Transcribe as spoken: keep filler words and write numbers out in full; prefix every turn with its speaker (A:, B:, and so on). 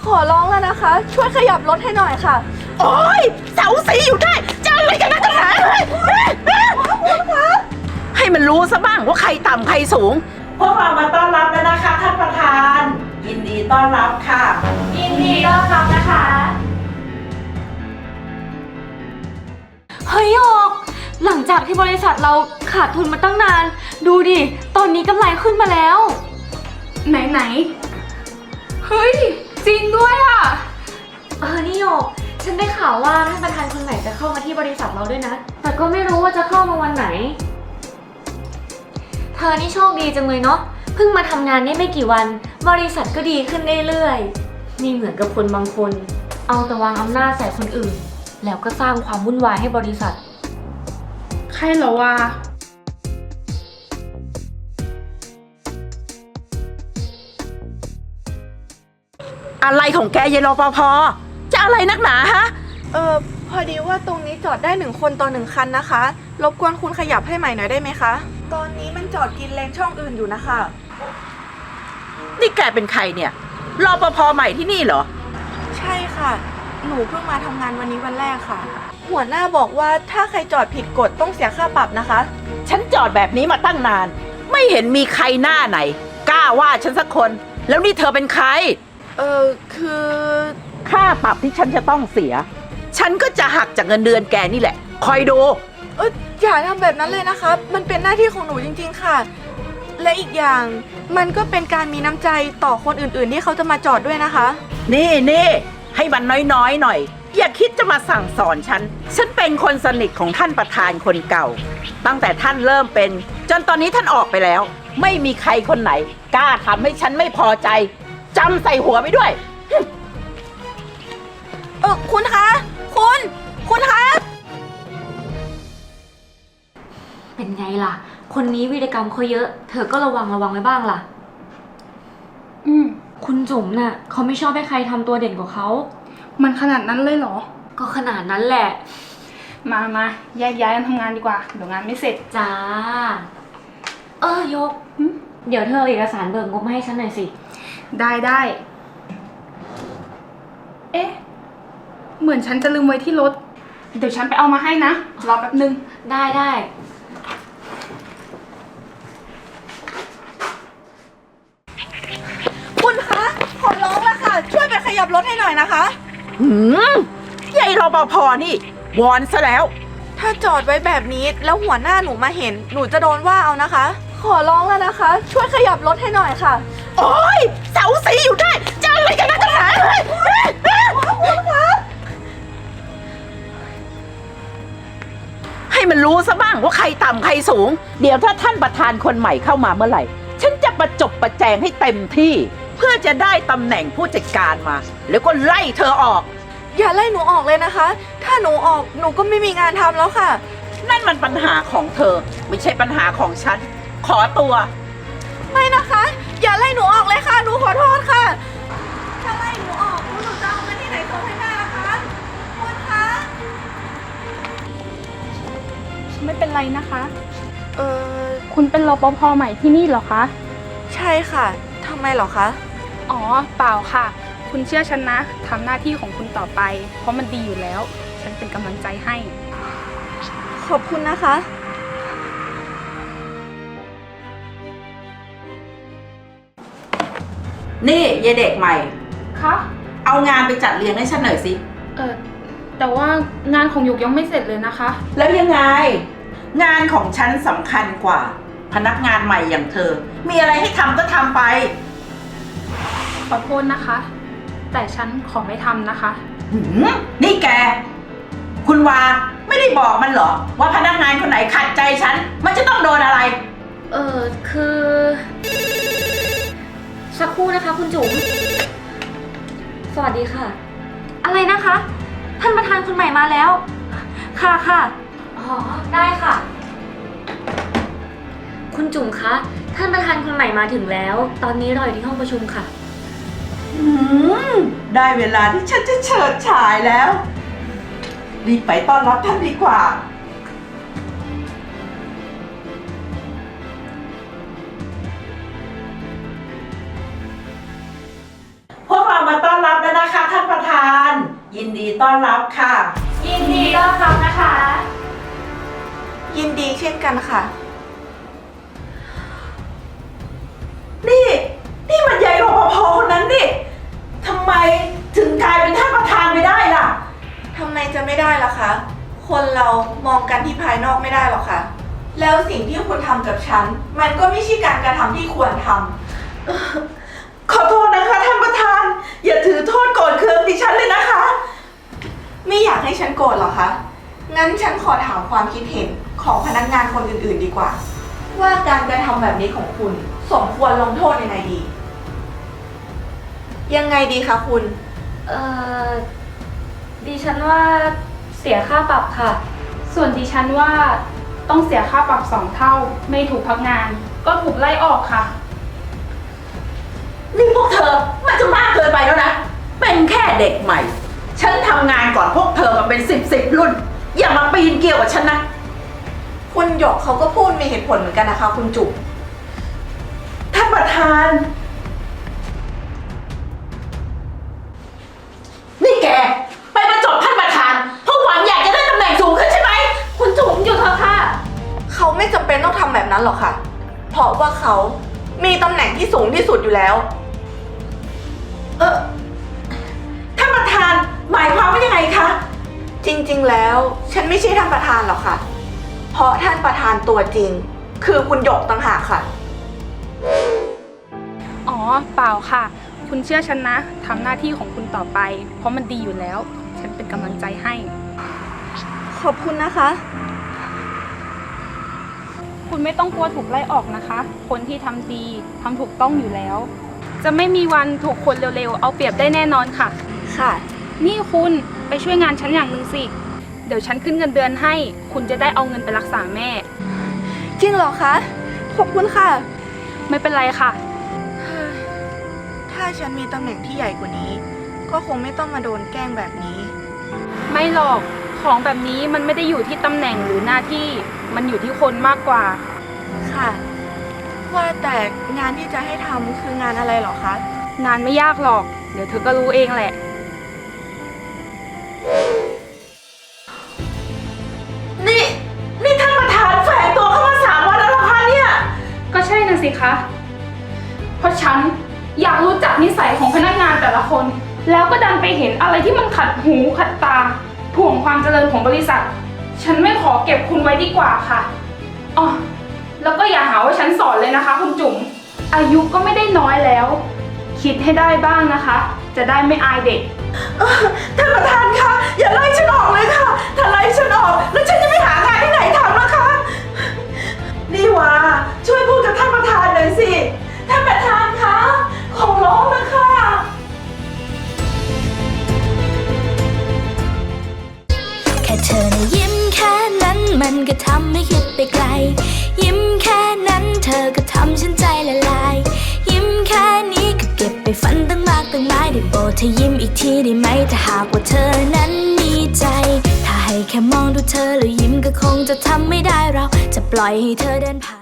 A: ขอร้องแล้วนะคะ ช่วยขยับรถให้หน่อยค่ะ
B: โอ๊ยเสาสีอยู่ได้จะอะไรกันนักหนาให้มันรู้ซะบ้างว่าใครต่ำใครสูงพวกเรามาต้อนรับแล้วนะคะท่านประธานยินดีต้อนรับค่ะ
C: ยินดีต้อนรับนะคะเฮ้ยออกหลังจากที่บริษัทเราขาดทุนมาตั้งนานดูดิตอนนี้กำไรขึ้นมาแล้วไหนไหนเฮ้ยจริงด้วยอ่ะเออนี่โยกฉันได้ข่าวว่าท่านประธานคนใหม่จะเข้ามาที่บริษัทเราด้วยนะแต่ก็ไม่รู้ว่าจะเข้ามาวันไหนเธอนี่โชคดีจังเลยเนาะเพิ่งมาทำงานได้ไม่กี่วันบริษัทก็ดีขึ้นเรื่อยๆนี่เหมือนกับคนบางคนเอาแต่วางอำนาจใส่คนอื่นแล้วก็สร้างความวุ่นวายให้บริษัท
D: ใครเหรอวะ
B: อะไรของแกยายรปภจะอะไรนักหนาฮะ
A: เออพอดีว่าตรงนี้จอดได้หนึ่งคนต่อหนึ่งคันนะคะรบกวนคุณขยับให้ใหม่หน่อยได้ไหมคะตอนนี้มันจอดกินเลนช่องอื่นอยู่นะคะ
B: นี่แกเป็นใครเนี่ยรปภใหม่ที่นี่เหรอ
A: ใช่ค่ะหนูเพิ่งมาทำงานวันนี้วันแรกค่ะหัวหน้าบอกว่าถ้าใครจอดผิดกฎต้องเสียค่าปรับนะคะ
B: ฉันจอดแบบนี้มาตั้งนานไม่เห็นมีใครหน้าไหนกล้าว่าฉันสักคนแล้วนี่เธอเป็นใคร
A: เออคือ
B: ค่าปรับที่ฉันจะต้องเสียฉันก็จะหักจากเงินเดือนแกนี่แหละคอยดู
A: เอออย่าทำแบบนั้นเลยนะคะมันเป็นหน้าที่ของหนูจริงๆค่ะและอีกอย่างมันก็เป็นการมีน้ำใจต่อคนอื่นๆที่เขาจะมาจอดด้วยนะคะ
B: นี่นี่ให้มันน้อยๆหน่อยอย่าคิดจะมาสั่งสอนฉันฉันเป็นคนสนิทของท่านประธานคนเก่าตั้งแต่ท่านเริ่มเป็นจนตอนนี้ท่านออกไปแล้วไม่มีใครคนไหนกล้าทำให้ฉันไม่พอใจจำใส่หัวไปด้วย
A: เออคุณคะคุณคุณคะ
C: เป็นไงล่ะคนนี้วีรกรรมเขาเยอะเธอก็ระวังระวังไว้บ้างล่ะอืมคุณจุ๋มน่ะเขาไม่ชอบให้ใครทำตัวเด่นกว่าเขา
D: มันขนาดนั้นเลยเหรอ
C: ก็ขนาดนั้นแหละ
D: มามาแยกย้ายกันทำงานดีกว่าเดี๋ยวงานไม่เสร็จ
C: จ้าเออยกเดี๋ยวเธอเอาเอกสารเบิกงบมาให้ฉันหน่อยสิ
D: ได้ได้เอ๊ะเหมือนฉันจะลืมไว้ที่รถเดี๋ยวฉันไปเอามาให้นะรอแป๊บนึง
C: ได้ได้
A: คุณคะขอร้องแล้วค่ะช่วยไปขยับรถให้หน่อยนะคะ
B: หืมยายรปภนี่วอนซะแล้ว
A: ถ้าจอดไว้แบบนี้แล้วหัวหน้าหนูมาเห็นหนูจะโดนว่าเอานะคะขอร้องแล้วนะคะช่วยขยับรถให้หน่อยค่ะ
B: โอ๊ยเสาสีอยู่ได้จะอะไรกันนักหนาให้มันรู้ซะบ้างว่าใครต่ำใครสูงเดี๋ยวถ้าท่านประธานคนใหม่เข้ามาเมื่อไหร่ฉันจะประจบประแจงให้เต็มที่เพื่อจะได้ตำแหน่งผู้จัดการมาแล้วก็ไล่เธอออก
A: อย่าไล่หนูออกเลยนะคะถ้าหนูออกหนูก็ไม่มีงานทำแล้วค่ะ
B: นั่นมันปัญหาของเธอไม่ใช่ปัญหาของฉันขอตัว
A: ไม่นะคะอย่าไล่หนูออกเลยค่ะหนูขอโทษค่ะถ้าไล่หนูออกหนูจะเอาเงินที่ไหนส่งให้แม่ล่ะคะคุณคะ
D: ไม่เป็นไรนะคะ
A: เออ
D: คุณเป็นรปภใหม่ที่นี่เหรอคะ
A: ใช่ค่ะทำไมเหรอคะ
D: อ๋อเปล่าค่ะคุณเชื่อฉันนะทำหน้าที่ของคุณต่อไปเพราะมันดีอยู่แล้วฉันเป็นกำลังใจให้
A: ขอบคุณนะคะ
B: นี่ยายเด็กใหม่
D: คะ
B: เอางานไปจัดเรียงให้ฉันหน่อยสิ
D: เออแต่ว่างานของหยกยังไม่เสร็จเลยนะคะ
B: แล้วยังไงงานของฉันสำคัญกว่าพนักงานใหม่อย่างเธอมีอะไรให้ทำก็ทำไป
D: ขอโทษนะคะแต่ฉันขอไม่ทำนะคะ
B: หืมนี่แกคุณวาไม่ได้บอกมันเหรอว่าพนักงานคนไหนขัดใจฉันมันจะต้องโดนอะไร
C: เออคือสักครู่นะคะคุณจุ๋มสวัสดีค่ะอะไรนะคะท่านประธานคนใหม่มาแล้วค่ะค่ะอ๋อได้ค่ะคุณจุ๋มคะท่านประธานคนใหม่มาถึงแล้วตอนนี้รออยู่ที่ห้องประชุมค่ะ
B: อืมได้เวลาที่ฉันจะเฉิดฉายแล้วรีบไปต้อนรับท่านดีกว่าพวกเรามาต้อนรับแล้วนะยินดีต้อนรับค่ะ
C: ยินดีต้อนรับนะคะ
A: ยินดีเช่นกันค่ะ
B: นี่ นี่มันยายรปภคนนั้นนี่ทำไมถึงกลายเป็นท่านประธานไปได้ล่ะ
A: ทำไมจะไม่ได้ล่ะคะ คนเรามองกันที่ภายนอกไม่ได้หรอกค่ะ แล้วสิ่งที่คุณทำกับฉัน มันก็ไม่ใช่การกระทำที่ควรทำ
B: ขอโทษนะคะท่านประธาน อย่าถือโทษโกรธเคืองดิฉันเลยนะคะ
A: ไม่อยากให้ฉันโกรธหรอคะ งั้นฉันขอถามความคิดเห็นของพนักงานคนอื่นๆดีกว่า ว่าการกระทำแบบนี้ของคุณสมควรลงโทษยังไงดี ยังไงดีคะคุณ
C: เอ่อ ดิฉันว่าเสียค่าปรับค่ะ
D: ส่วนดิฉันว่าต้องเสียค่าปรับสองเท่า ไม่ถูกพักงาน ก็ถูกไล่ออกค่ะ
B: นี่พวกเธอมันจะมากเกินไปแล้วนะ เป็นแค่เด็กใหม่ ฉันทำงานก่อนพวกเธอมาเป็นสิบสิบรุ่น อย่ามาปีนเกี่ยวกับฉันนะ
A: คุณหยกเขาก็พูดมีเหตุผลเหมือนกันนะคะ คุณจุ๋ม
B: ท่านประธาน นี่แก ไปประจบท่านประธานเพราะหวังอยากจะได้ตำแหน่งสูงขึ้นใช่ไหม
C: คุณจุ๋มหยุดเถอะค่ะ
A: เขาไม่จำเป็นต้องทำแบบนั้นหรอกค่ะ เพราะว่าเขามีตำแหน่งที่สูงที่สุดอยู่แล้ว
B: เออท่านประธานหมายความว่ายังไงคะ
A: จริงๆ แล้วฉันไม่ใช่ท่านประธานหรอกค่ะ เพราะท่านประธานตัวจริง คือคุณหยกต่างหากค่ะ
D: อ๋อ เปล่าค่ะ คุณเชื่อฉันนะทำหน้าที่ของคุณต่อไป เพราะมันดีอยู่แล้ว ฉันเป็นกำลังใจให้
A: ขอบคุณนะคะ
D: คุณไม่ต้องกลัวถูกไล่ออกนะคะ คนที่ทำดีทำถูกต้องอยู่แล้ว จะไม่มีวันถูกคนเร็วๆเอาเปรียบได้แน่นอนค่ะ
A: ค่ะ
D: นี่คุณไปช่วยงานฉันอย่างหนึ่งสิ เดี๋ยวฉันขึ้นเงินเดือนให้ คุณจะได้เอาเงินไปรักษาแม่
A: จริงเหรอคะ ขอบคุณค่ะ
D: ไม่เป็นไรค่ะ
A: ถ้าฉันมีตำแหน่งที่ใหญ่กว่านี้ ก็คงไม่ต้องมาโดนแกล้งแบบนี้
D: ไม่หรอก ของแบบนี้มันไม่ได้อยู่ที่ตำแหน่งหรือหน้าที่ มันอยู่ที่คนมากกว่า
A: ค่ะ ว่าแต่งานที่จะให้ทำคืองานอะไรเหรอคะ
D: งานไม่ยากหรอก เดี๋ยวเธอก็รู้เองแหละ
B: นี่ นี่ท่านประธานแฝงตัวเข้ามาสามวันแล้วเหรอคะเนี่ย
D: ก็ใช่นะสิคะ เพราะฉันอยากรู้จักนิสัยของพนักงานแต่ละคน แล้วก็ดันไปเห็นอะไรที่มันขัดหูขัดตาถ่วงความเจริญของบริษัท ฉันไม่ขอเก็บคุณไว้ดีกว่าค่ะอ๋อแล้วก็อย่าหาว่าฉันสอนเลยนะคะคุณจุ๋ม อายุก็ไม่ได้น้อยแล้ว คิดให้ได้บ้างนะคะ จะได้ไม่อายเด็ก
B: เอ่อท่านประธานคะอย่าไล่ฉันออกเลยค่ะ ถ้าไล่ฉันออกแล้วฉันจะไปหางานที่ไหนทำนะคะ นี่วาช่วยพูดกับท่านประธานหน่อยสิ ท่านประธานคะขอร้องนะคะ
E: แค่เธอนะยิ้มแค่นั้นมันก็ทำให้คิดไปไกล ยิ้มแค่นั้นเธอก็ทำฉันใจละลาย ยิ้มแค่นี้ก็เก็บไปฝันตั้งมากตั้งหลายได้โปรดเธอยิ้มอีกทีได้ไหมถ้าหากว่าเธอนั้นมีใจ ถ้าให้แค่มองดูเธอแล้วยิ้มก็คงจะทำไม่ได้เราจะปล่อยให้เธอเดินผ่าน